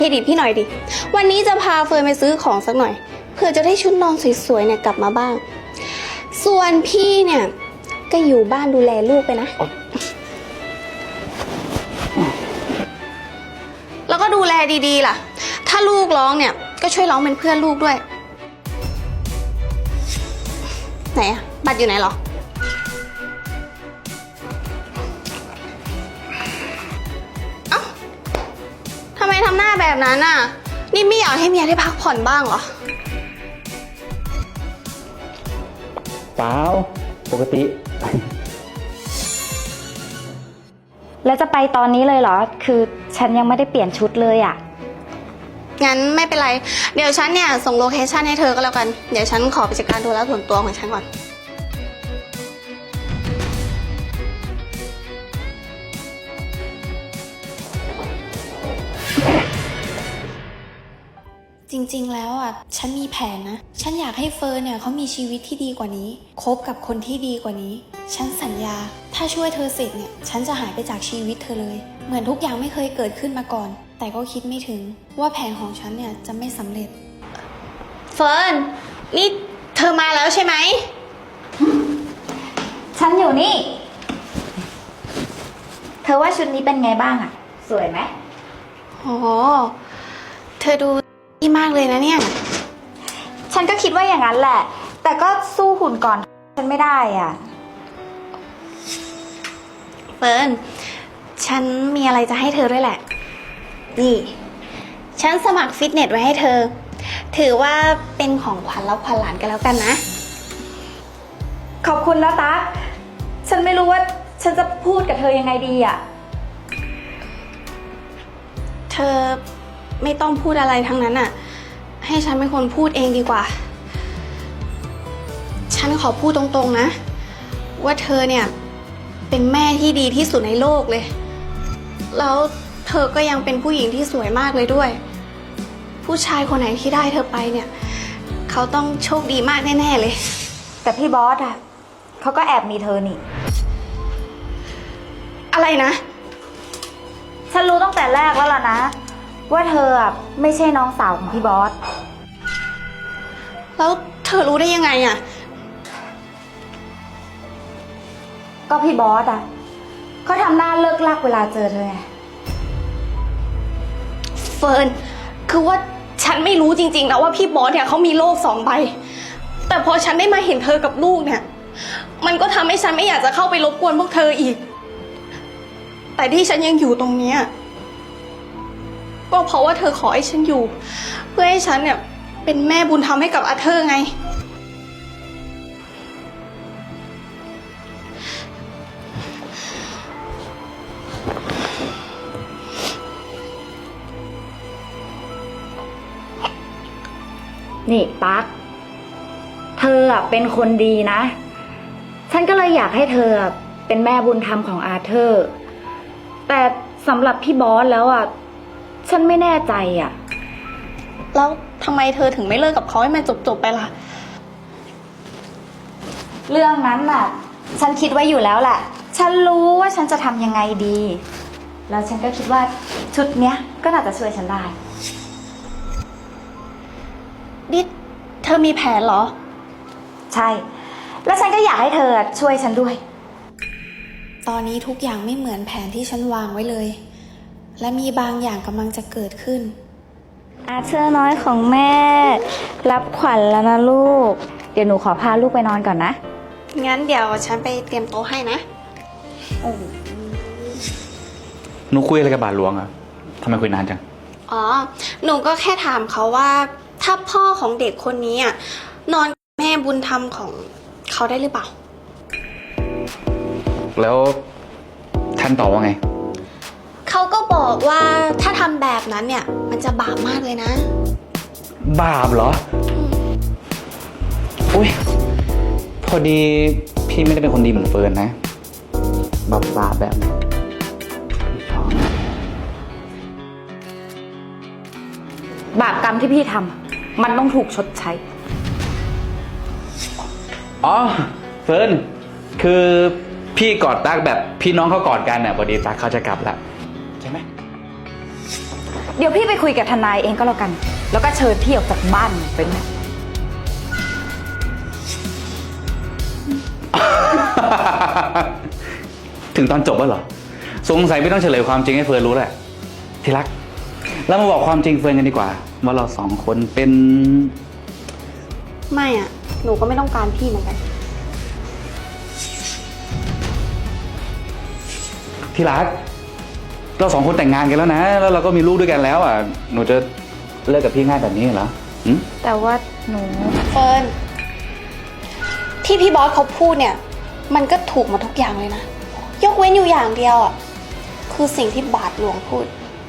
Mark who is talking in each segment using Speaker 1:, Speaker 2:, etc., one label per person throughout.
Speaker 1: พี่ดิพี่หน่อยดิวันนี้จะพาเฟิร์นไปซื้อของสักหน่อยเพื่อจะได้ชุดนอนสวยๆเนี่ยกลับมาบ้างส่วนพี่เนี่ยก็อยู่บ้านดูแลลูกไปนะแล้วก็ดูแลดีๆล่ะถ้าลูกร้องเนี่ยก็ช่วยร้องเป็นเพื่อนลูกด้วยไหนอะบัตรอยู่ไหนหรอเอ้าทำไมทำหน้าแบบนั้นน่ะนี่ไม่อยากให้เมียได้พักผ่อนบ้างเหรอ
Speaker 2: เปล่าปกติ
Speaker 3: แล้วจะไปตอนนี้เลยเหรอคือฉันยังไม่ได้เปลี่ยนชุดเลยอ่ะ
Speaker 1: งั้นไม่เป็นไรเดี๋ยวฉันเนี่ยส่งโลเคชั่นให้เธอก็แล้วกันเดี๋ยวฉันขอไปจัดการธุระส่วนตัวของฉันก่อนจริงๆแล้วอ่ะฉันมีแผนนะฉันอยากให้เฟิร์นเนี่ยเขามีชีวิตที่ดีกว่านี้คบกับคนที่ดีกว่านี้ฉันสัญญาถ้าช่วยเธอเสร็จเนี่ยฉันจะหายไปจากชีวิตเธอเลยเหมือนทุกอย่างไม่เคยเกิดขึ้นมาก่อนแต่ก็คิดไม่ถึงว่าแผนของฉันเนี่ยจะไม่สำเร็จเฟิร์นนี่เธอมาแล้วใช่ไหม
Speaker 3: ฉันอยู่นี่เธอว่าชุดนี้เป็นไงบ้างอ่ะสวยไหม
Speaker 1: โอ้เธอดูดีมากเลยนะเนี่ย
Speaker 3: ฉันก็คิดว่าอย่างนั้นแหละแต่ก็สู้หุ่นก่อนฉันไม่ได้อ่ะ
Speaker 1: เฟิร์นฉันมีอะไรจะให้เธอด้วยแหละนี่ฉันสมัครฟิตเนสไว้ให้เธอถือว่าเป็นของขวัญรับขวัญหลานกันแล้วกันนะ
Speaker 3: ขอบคุณนะตั๊กฉันไม่รู้ว่าฉันจะพูดกับเธอยังไงดีอ่ะ
Speaker 1: เธอไม่ต้องพูดอะไรทั้งนั้นอ่ะให้ฉันเป็นคนพูดเองดีกว่าฉันขอพูดตรงๆนะว่าเธอเนี่ยเป็นแม่ที่ดีที่สุดในโลกเลยแล้วเธอก็ยังเป็นผู้หญิงที่สวยมากเลยด้วยผู้ชายคนไหนที่ได้เธอไปเนี่ยเขาต้องโชคดีมากแน่ๆเลย
Speaker 3: แต่พี่บอสอ่ะเขาก็แอบมีเธอนี่
Speaker 1: อะไรนะ
Speaker 3: ฉันรู้ตั้งแต่แรกแล้วล่ะนะว่าเธออ่ะไม่ใช่น้องสาวของพี่บอส
Speaker 1: แล้วเธอรู้ได้ยังไงอ่ะ
Speaker 3: ก็พี่บอสอ่ะเขาทำหน้าเลิกลักเวลาเจอเธอไง
Speaker 1: เฟิร์นคือว่าฉันไม่รู้จริงๆนะว่าพี่บอสเนี่ยเขามีโลก2 ใบแต่พอฉันได้มาเห็นเธอกับลูกเนี่ยมันก็ทำให้ฉันไม่อยากจะเข้าไปรบกวนพวกเธออีกแต่ที่ฉันยังอยู่ตรงเนี้ยก็เพราะว่าเธอขอให้ฉันอยู่เพื่อให้ฉันเนี่ยเป็นแม่บุญธรรมให้กับอาเธอร์ไง
Speaker 3: นี่ตั๊กเธอเป็นคนดีนะฉันก็เลยอยากให้เธอเป็นแม่บุญธรรมของอาเธอร์แต่สำหรับพี่บอสแล้วฉันไม่แน่ใจ
Speaker 1: แล้วทำไมเธอถึงไม่เลิกกับเขาให้มันจบๆไปล่ะ
Speaker 3: เรื่องนั้นฉันคิดไว้อยู่แล้วแหละฉันรู้ว่าฉันจะทำยังไงดีแล้วฉันก็คิดว่าชุดเนี้ยก็น่าจะช่วยฉันได้
Speaker 1: ดิเธอมีแผนเหรอ
Speaker 3: ใช่แล้วฉันก็อยากให้เธอช่วยฉันด้วย
Speaker 1: ตอนนี้ทุกอย่างไม่เหมือนแผนที่ฉันวางไว้เลยและมีบางอย่างกำลังจะเกิดขึ้น
Speaker 3: อาเธอร์น้อยของแม่รับขวัญแล้วนะลูกเดี๋ยวหนูขอพาลูกไปนอนก่อนนะ
Speaker 1: งั้นเดี๋ยวฉันไปเตรียมโต๊ะให้นะ
Speaker 2: หนูคุยอะไรกับบาทหลวงอะทำไมคุยนานจัง
Speaker 1: อ๋อหนูก็แค่ถามเขาว่าถ้าพ่อของเด็กคนนี้นอนกับแม่บุญธรรมของเขาได้หรือเปล่า
Speaker 2: แล้วท่านตอบว่าไง
Speaker 1: เขาก็บอกว่าถ้าทำแบบนั้นเนี่ยมันจะบาปมากเลยนะ
Speaker 2: บาปเหรออุ้ยพอดีพี่ไม่ได้เป็นคนดีเหมือนเฟิร์นนะบาปแบบนี้
Speaker 3: บาปกรรมที่พี่ทำมันต้องถูกชดใช้
Speaker 2: อ๋อเฟิร์นคือพี่กอดตั๊กแบบพี่น้องเขากอดกันพอดีตั๊กเขาจะกลับแล้วใช่ไหม
Speaker 3: เดี๋ยวพี่ไปคุยกับทนายเองก็แล้วกัน แล้วก็เชิญพี่ออกจากบ้านหนูไปเลย
Speaker 2: ถึงตอนจบแล้วเหรอ สงสัยไม่ต้องเฉลยความจริงให้เฟิร์นรู้แหละที่รักเรามาบอกความจริงเฟิร์นกันดีกว่าว่าเราสองคนเป็น
Speaker 1: ไม่อะหนูก็ไม่ต้องการพี่เหมือนกัน
Speaker 2: ที่รักเราสองคนแต่งงานกันแล้วนะ แล้วเราก็มีลูกด้วยกันแล้วอ่ะหนูจะเลิกกับพี่ง่ายแบบนี้เหรอหืม
Speaker 3: แต่ว่าหนู
Speaker 1: เฟิร์นที่พี่บอสเขาพูดเนี่ย มันก็ถูกหมดทุกอย่างเลยนะ ยกเว้นอยู่อย่างเดียวอ่ะ คือสิ่งที่บาทหลวงพูด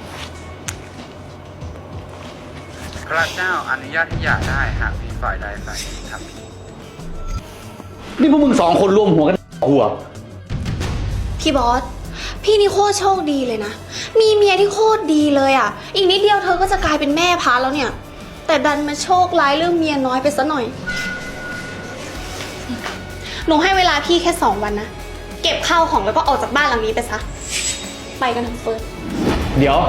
Speaker 2: พระเจ้าอนุญาตให้หย่าได้หากมีฝ่ายใดฝ่ายหนึ่งทำผิดนี่พวกมึงสองคนร่วมหัวกันหัว
Speaker 1: พี่บอส พี่นี่โคตรโชคดีเลยนะ มีเมียที่โคตรดีเลยอ่ะ อีกนิดเดียวเธอก็จะกลายเป็นแม่พาแล้วเนี่ย แต่ดันมาโชคร้ายเรื่องเมียน้อยไปซะหน่อย หนูให้เวลาพี่แค่ 2 วันนะ เก็บข้าวของแล้วก็ออกจากบ้านหลังนี้ไปซะ ไปกันเถอะเฟิร์น
Speaker 2: เดี๋ยว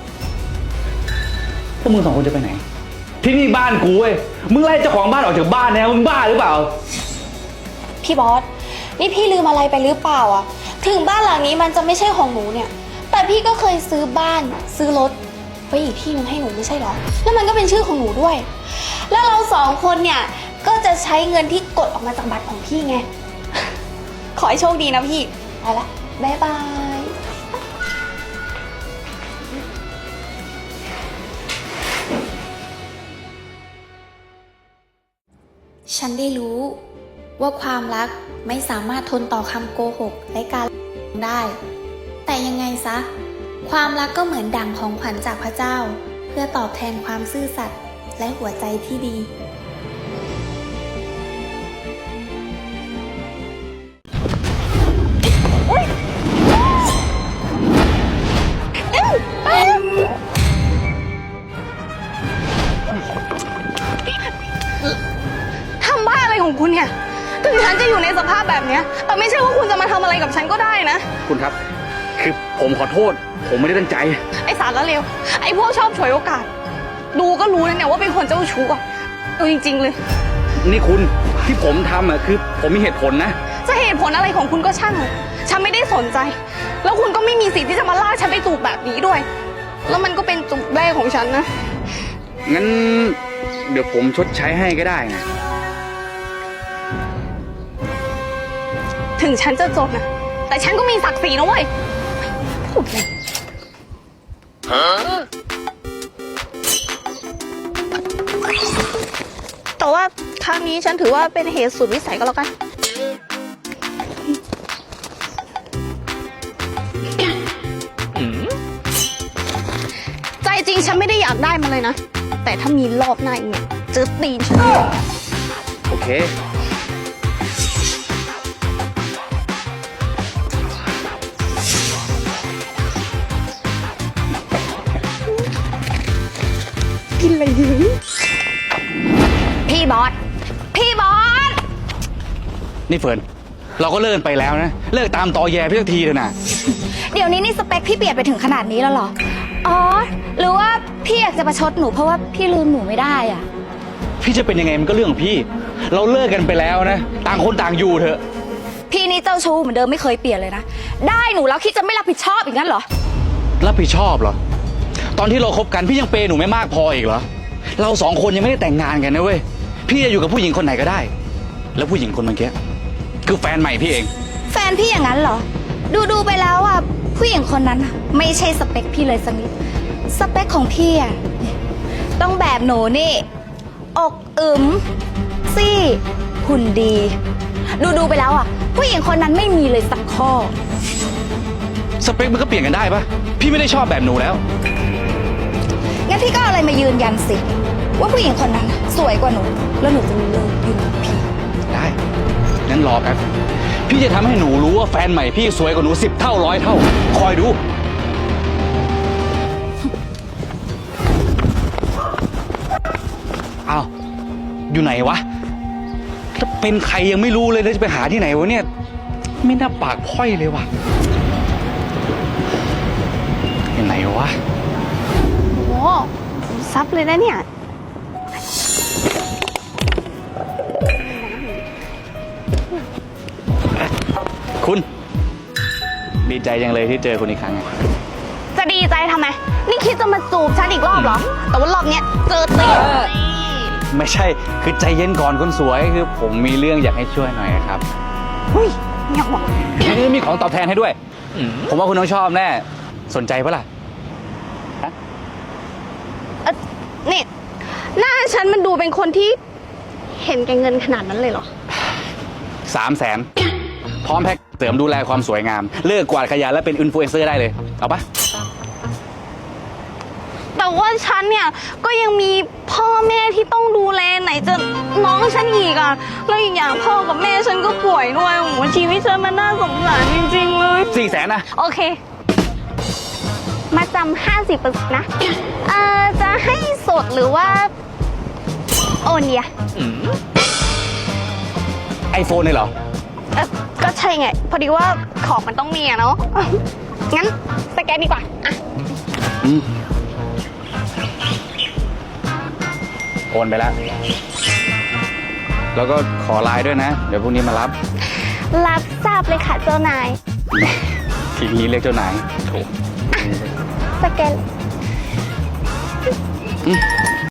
Speaker 2: พวกมึงสองคนจะไปไหน ที่นี่บ้านกูเว้ยมึงไล่เจ้าของบ้านออกจากบ้านนะมึงบ้าหรือเปล่า
Speaker 1: พี่บอส นี่พี่ลืมอะไรไปหรือเปล่าอ่ะ ถึงบ้านหลังนี้มันจะไม่ใช่ของหนูเนี่ย แต่พี่ก็เคยซื้อบ้านซื้อรถไว้อีกที่นึงให้หนูไม่ใช่หรอ แล้วมันก็เป็นชื่อของหนูด้วย แล้วเราสองคนเนี่ยก็จะใช้เงินที่กดออกมาจากบัตรของพี่ไง ขอให้โชคดีนะพี่ ไปละ บ๊ายบาย
Speaker 4: ฉันได้รู้ว่าความรักไม่สามารถทนต่อคำโกหกและการได้ แต่ยังไงซะ ความรักก็เหมือนดั่งของขวัญจากพระเจ้า เพื่อตอบแทนความซื่อสัตย์และหัวใจที่ดี
Speaker 1: ทำบ้าอะไรของคุณเนี่ย ถึงฉันจะอยู่ในสภาพแบบเนี้ย แต่ไม่ใช่ว่าคุณจะมาทำอะไรกับฉันก็ได้นะ
Speaker 2: คุณครับ คือผมขอโทษ ผมไม่ได้ตั้งใจ
Speaker 1: ไอสารละเลว ไอพวกชอบฉวยโอกาส ดูก็รู้นะเนี่ยว่าเป็นคนเจ้าชู้อะดูจริงๆเลย
Speaker 2: นี่คุณที่ผมทำอ่ะคือผมมีเหตุผลนะ
Speaker 1: จะเหตุผลอะไรของคุณก็ช่างเถอะฉันไม่ได้สนใจ แล้วคุณก็ไม่มีสิทธิ์ที่จะมาลากฉันไปจูบแบบนี้ด้วย แล้วมันก็เป็นจูบแรกของฉันนะ
Speaker 2: งั้นเดี๋ยวผมชดใช้ให้ก็ได้นะ
Speaker 1: ถึงฉันจะจนนะแต่ฉันก็มีศักดิ์ศรีนะเว้ยพูดเลยแต่ว่าครั้งนี้ฉันถือว่าเป็นเหตุสุดวิสัยก็แล้วกัน ใจจริงฉันไม่ได้อยากได้มันเลยนะ แต่ถ้ามีรอบหน้าอีกเนี่ยเจอตีนฉัน
Speaker 2: โอเค
Speaker 1: กินอะไรดี
Speaker 3: พี่บอส พี่บอส
Speaker 2: นี่เฟิร์นเราก็เลิกกันไปแล้วนะ เลิกตามตอแยพี่สักทีเถอะนะ
Speaker 3: เดี๋ยวนี้นี่สเปคพี่เปลี่ยนไปถึงขนาดนี้แล้วเหรอ อ๋อ หรือว่าพี่อยากจะประชดหนูเพราะว่าพี่ลืมหนูไม่ได้อ่ะ
Speaker 2: พี่จะเป็นยังไงมันก็เรื่องของพี่ เราเลิกกันไปแล้วนะ ต่างคนต่างอยู่เถอะ
Speaker 3: พี่นี่เจ้าชู้เหมือนเดิมไม่เคยเปลี่ยนเลยนะ ได้หนูแล้วคิดจะไม่รับผิดชอบอีกงั้นเหรอ
Speaker 2: รับผิดชอบเหรอ ตอนที่เราคบกันพี่ยังเปย์หนูไม่มากพออีกเหรอ เราสองคนยังไม่ได้แต่งงานกันนะเว้ย พี่จะอยู่กับผู้หญิงคนไหนก็ได้ แล้วผู้หญิงคนเมื่อกี้คือแฟนใหม่พี่เอง
Speaker 3: แฟนพี่อย่างนั้นเหรอ ดูไปแล้วอ่ะผู้หญิงคนนั้นน่ะไม่ใช่สเปคพี่เลยสักนิด สเปคของพี่อ่ะต้องแบบหนูนี่ อกอึมซี่หุ่นดี ดูไปแล้วอ่ะผู้หญิงคนนั้นไม่มีเลยสักข้อ
Speaker 2: สเปคมันก็เปลี่ยนกันได้ปะพี่ไม่ได้ชอบแบบหนูแล้ว
Speaker 3: งั้นพี่ก็เอาอะไรมายืนยันสิ ว่าผู้หญิงคนนั้นน่ะสวยกว่าหนู แล้วหนูจะเลิกยุ่งกับพี่
Speaker 2: ได้ งั้นรอแป๊บ พี่จะทำให้หนูรู้ว่าแฟนใหม่พี่สวยกว่าหนู10 เท่า100 เท่า คอยดู อ้าว อยู่ไหนวะถ้าเป็นใครยังไม่รู้เลยแล้วจะไปหาที่ไหนวะเนี่ย ไม่น่าปากพร่อยเลยว่ะอยู่ไหนวะ โอ้โห
Speaker 1: ซับเลยนะเนี่ย
Speaker 2: คุณ ดีใจจังเลยที่เจอคุณอีกครั้งอะ
Speaker 1: จะดีใจทำไม นี่คิดจะมาจูบฉันอีกรอบเหรอ แต่ว่ารอบเนี้ยเจอตีน
Speaker 2: ไม่ใช่ คือใจเย็นก่อนคนสวย คือผมมีเรื่องอยากให้ช่วยหน่อยครับ
Speaker 1: หุ้ยเงียบหมด
Speaker 2: นี่มีของตอบแทนให้ด้วย ผมว่าคุณต้องชอบแน่ สนใจปะล่ะ
Speaker 1: นี่ หน้าฉันมันดูเป็นคนที่เห็นแก่เงินขนาดนั้นเลยเหรอ
Speaker 2: 300,000 พร้อมแพ็คเสริมดูแลความสวยงาม เลิกกวาดขยะและเป็นอินฟลูเอนเซอร์ได้เลย เอาปะ
Speaker 1: แต่ว่าฉันเนี่ยก็ยังมีพ่อแม่ที่ต้องดูแลไหนจะน้องฉันอีกอ่ะ แล้วอีกอย่างพ่อกับแม่ฉันก็ป่วยด้วยโอ้โหชีวิตฉันมันน่าสงสารจริงๆเลย
Speaker 2: 400,000นะ
Speaker 1: โอเค มาจำ50%นะ จะให้สดหรือว่า โอนเนี่ย
Speaker 2: ไอโฟนเลยเหรอ
Speaker 1: ก็ใช่ไง พอดีว่าของมันต้องมีอะเนาะ งั้นสแกนดีกว่าอ่ะ
Speaker 2: โอนไปแล้ว แล้วก็ขอไลน์ด้วยนะ เดี๋ยวพรุ่งนี้มารับ
Speaker 1: รับทราบเลยค่ะเจ้านาย
Speaker 2: ทีนี้เรียกเจ้านายโถ
Speaker 1: สแกน
Speaker 2: อืม